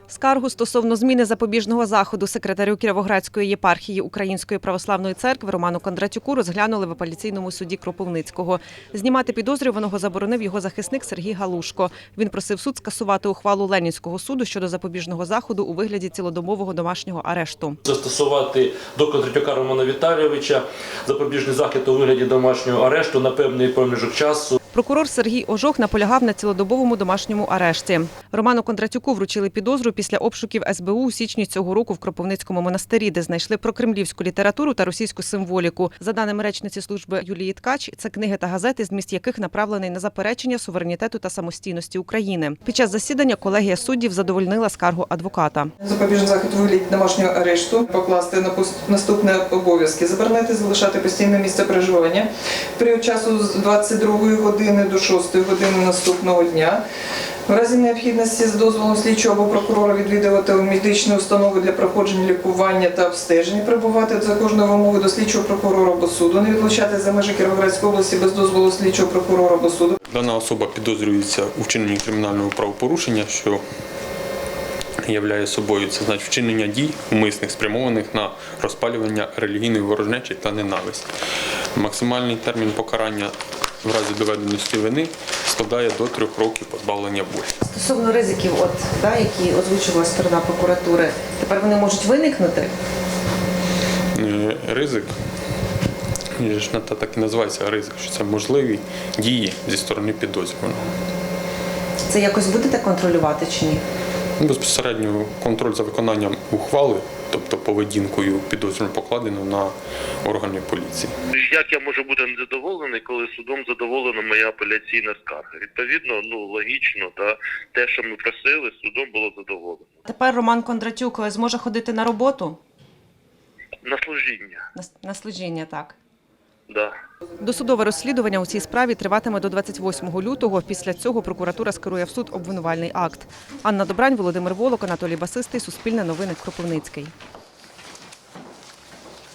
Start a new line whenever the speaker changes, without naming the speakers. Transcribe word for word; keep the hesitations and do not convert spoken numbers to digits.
Скаргу стосовно зміни запобіжного заходу секретарю Кіровоградської єпархії Української православної церкви Роману Кондратюку розглянули в апеляційному суді Кропивницького. Знімати підозрюваного заборонив його захисник Сергій Галушко. Він просив суд скасувати ухвалу Ленінського суду щодо запобіжного заходу у вигляді цілодобового домашнього арешту.
Застосувати до Кондратюка Романа Віталійовича запобіжний захід у вигляді домашнього арешту на певний проміжок часу.
Прокурор Сергій Ожох наполягав на цілодобовому домашньому арешті. Роману Кондратюку вручили підозру після обшуків ес бе у у січні цього року в Кропивницькому монастирі, де знайшли прокремлівську літературу та російську символіку. За даними речниці служби Юлії Ткач, це книги та газети, зміст яких направлений на заперечення суверенітету та самостійності України. Під час засідання колегія суддів задовольнила скаргу адвоката.
Запобіжний захід у вигляді домашнього арешту покласти на наступні обов'язки: заборонити залишати постійне місце проживання в період часу з двадцять другої години до шостої години наступного дня. В разі необхідності з дозволом слідчого або прокурора відвідувати медичні установи для проходження лікування та обстежень, прибувати за кожною вимогою до слідчого прокурора або суду, не відлучати за межі Кіровоградської області без дозволу слідчого прокурора або суду.
Дана особа підозрюється у вчиненні кримінального правопорушення, що являє собою це значить вчинення дій умисних, спрямованих на розпалювання релігійної ворожнечі та ненависті. Максимальний термін покарання в разі доведеності вини складає до трьох років позбавлення волі.
Стосовно ризиків, от, да, які озвучувала сторона прокуратури, тепер вони можуть виникнути?
Ризик, та так і називається ризик, що це можливі дії зі сторони підозрюваного.
Це якось будете контролювати чи ні?
Безпосередньо контроль за виконанням ухвали, тобто поведінкою підозрюваного, покладено на органи поліції.
Як я можу бути незадоволений, коли судом задоволена моя апеляційна скарга? Відповідно, ну логічно, та те, що ми просили, судом було задоволено.
Тепер Роман Кондратюк зможе ходити на роботу?
На служіння.
На, на служіння, так.
Да.
Досудове розслідування у цій справі триватиме до двадцять восьмого лютого. Після цього прокуратура скерує в суд обвинувальний акт. Анна Добрань, Володимир Волок, Анатолій Басистий, Суспільне новини, Кропивницький.